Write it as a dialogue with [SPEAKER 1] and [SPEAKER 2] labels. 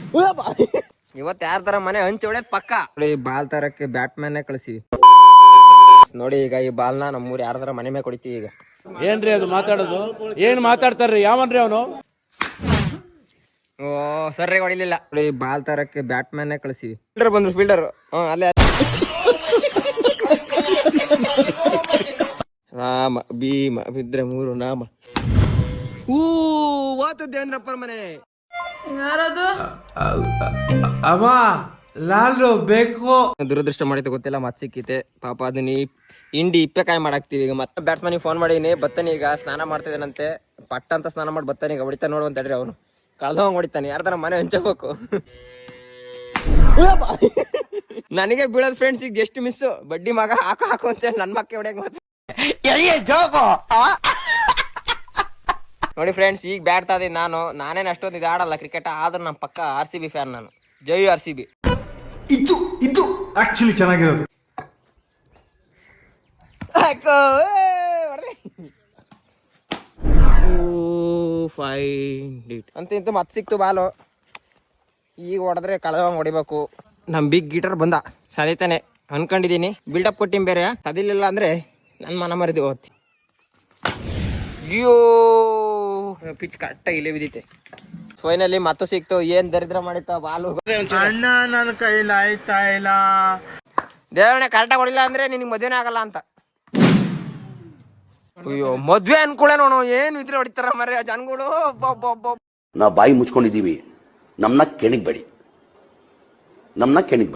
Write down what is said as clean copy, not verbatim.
[SPEAKER 1] ಇವತ್ತು ಯಾರ ತರ ಮನೆ ಹಂಚಿ ಹೊಡೆದ್ ಪಕ್ಕ ನೋಡಿ. ಬಾಲ್ ತರಕ್ಕೆ ಬ್ಯಾಟ್ಮನ್ ಕಳಿಸಿ ನೋಡಿ. ಈಗ ಈ ಬಾಲ್ನ ನಮ್ಮೂರ್ ಯಾರ ತರ ಮನೆ ಮೇಲೆ ಕೊಡಿತೀವಿ. ಈಗ
[SPEAKER 2] ಏನ್ರಿ ಅದು ಮಾತಾಡೋದು? ಏನ್ ಮಾತಾಡ್ತಾರ್ರಿ? ಯಾವನ್ರಿ ಅವನು?
[SPEAKER 1] ಓ ಸರ್ರಿ ಹೊಡಿಲಿಲ್ಲ ನೋಡಿ. ಬಾಲ್ ತರಕ್ಕೆ ಬ್ಯಾಟ್ಮನ್ ಕಳಿಸಿ. ಫೀಲ್ಡರ್ ಬಂದ್ರು, ಫೀಲ್ಡರ್ ಅಲ್ಲೇ. ರಾಮ ಭೀಮ ಬಿದ್ರೆ ಮೂರು ನಾಮ. ವಾತು ದೇವೇಂದ್ರಪ್ಪರ ಮನೆ.
[SPEAKER 3] ಯಾರದು?
[SPEAKER 4] ಅಮ್ಮ ನಾನು ಬೇಕು.
[SPEAKER 1] ದುರದೃಷ್ಟ ಮಾಡಿತ ಗೊತ್ತಿಲ್ಲ, ಮತ್ ಸಿಕ್ಕಿತೆ ಪಾಪ. ಅದನ್ನ ಹಿಂಡಿ ಇಪ್ಪೆಕಾಯಿ ಮಾಡಾಕ್ತಿವಿ. ಈಗ ಮತ್ತೆ ಬ್ಯಾಟ್ಸ್ಮನಿಗೆ ಫೋನ್ ಮಾಡೀನಿ, ಬತ್ತಾನೆ ಈಗ ಸ್ನಾನ ಮಾಡ್ತಿದ್ದಾನಂತೆ. ಪಟ್ಟ ಅಂತ ಸ್ನಾನ ಮಾಡಿ ಬತ್ತಾನೆ. ಈಗ ಹೊಡಿತಾ ನೋಡುವಂತ ಹೇಳ್ರಿ. ಅವನು ಕಳ್ದವಂಗ್ ಹೊಡಿತಾನೆ. ಯಾರ್ದಾರ ಮನೆ ಹಂಚಬೇಕು. ನನಗೆ ಬೀಳೋದ್ ಫ್ರೆಂಡ್ಸ್ ಈಗ ಜಸ್ಟ್ ಮಿಸ್. ಬಡ್ಡಿ ಮಗ ಹಾಕು ಅಂತ ನನ್ ಮಕ್ಕ ಹೊಡ್ಯಾಕ್ ಮಾಡ್ತೀನಿ ನೋಡಿ ಫ್ರೆಂಡ್ಸ್. ಈಗ ಬ್ಯಾಟ್ ತಾದಿ ನಾನೇನು ಅಷ್ಟೊಂದು ಇದು ಆಡಲ್ಲ ಕ್ರಿಕೆಟ್, ಆದ್ರೆ ನಮ್ಮ ಪಕ್ಕ RCB ಫ್ಯಾನ್ ನಾನು. ಜೈ RCB.
[SPEAKER 4] ಇದು ಆಕ್ಚುಲಿ ಚೆನ್ನಾಗಿರೋದು.
[SPEAKER 1] ಅಂತ ಇಂತ ಮತ್ ಸಿಕ್ತು ಬಾಲು. ಈಗ ಹೊಡೆದ್ರೆ ಕಳೆದಂಗ್ ಹೊಡಿಬೇಕು. ನಮ್ ಬಿಗ್ ಗೀಟರ್ ಬಂದ ಸಳಿತಾನೆ ಅನ್ಕೊಂಡಿದೀನಿ. ಬಿಲ್ಡಪ್ ಕೊಟ್ಟಿಮ್ ಬೇರೆ. ತದಿಲಿಲ್ಲ ಅಂದ್ರೆ ನನ್ ಮನ ಮರಿದಿ ಹೋಗ್ತಿ. ಅಯ್ಯೋ ಪಿಚ್ ಕರೆಕ್ಟಾಗಿ ಇಲ್ಲೇ ಬಿದ್ದಿತ್ತೆ. ಫೈನಲಿ ಮತ್ತೆ ಸಿಕ್ತು. ಏನ್ ದರಿದ್ರ ಮಾಡಿತ್ತ ಬಾಲು.
[SPEAKER 4] ಅಣ್ಣ ನನ್ನ ಕೈಲಿ ಆಯ್ತಾ ಇಲ್ಲ.
[SPEAKER 1] ದೇವರೇ ಕರೆಕ್ಟಾಗಿ ಹೊಡಿಲ್ಲ ಅಂದ್ರೆ ನಿನಗೆ ಮದ್ವೆನೇ ಆಗಲ್ಲ ಅಂತ. ಅಯ್ಯೋ ಮದ್ವೆ ಅನ್ಕೊಳೆ ನೋಡು. ಏನ್ ಇದ್ರೆ ಹೊಡಿತಾರ ಮರ್ಯ ಜನಗಳು.
[SPEAKER 5] ನಾವು ಬಾಯಿ ಮುಚ್ಕೊಂಡಿದೀವಿ. ನಮ್ನ ಕೆಣಿಗ್ಬೇಡಿ.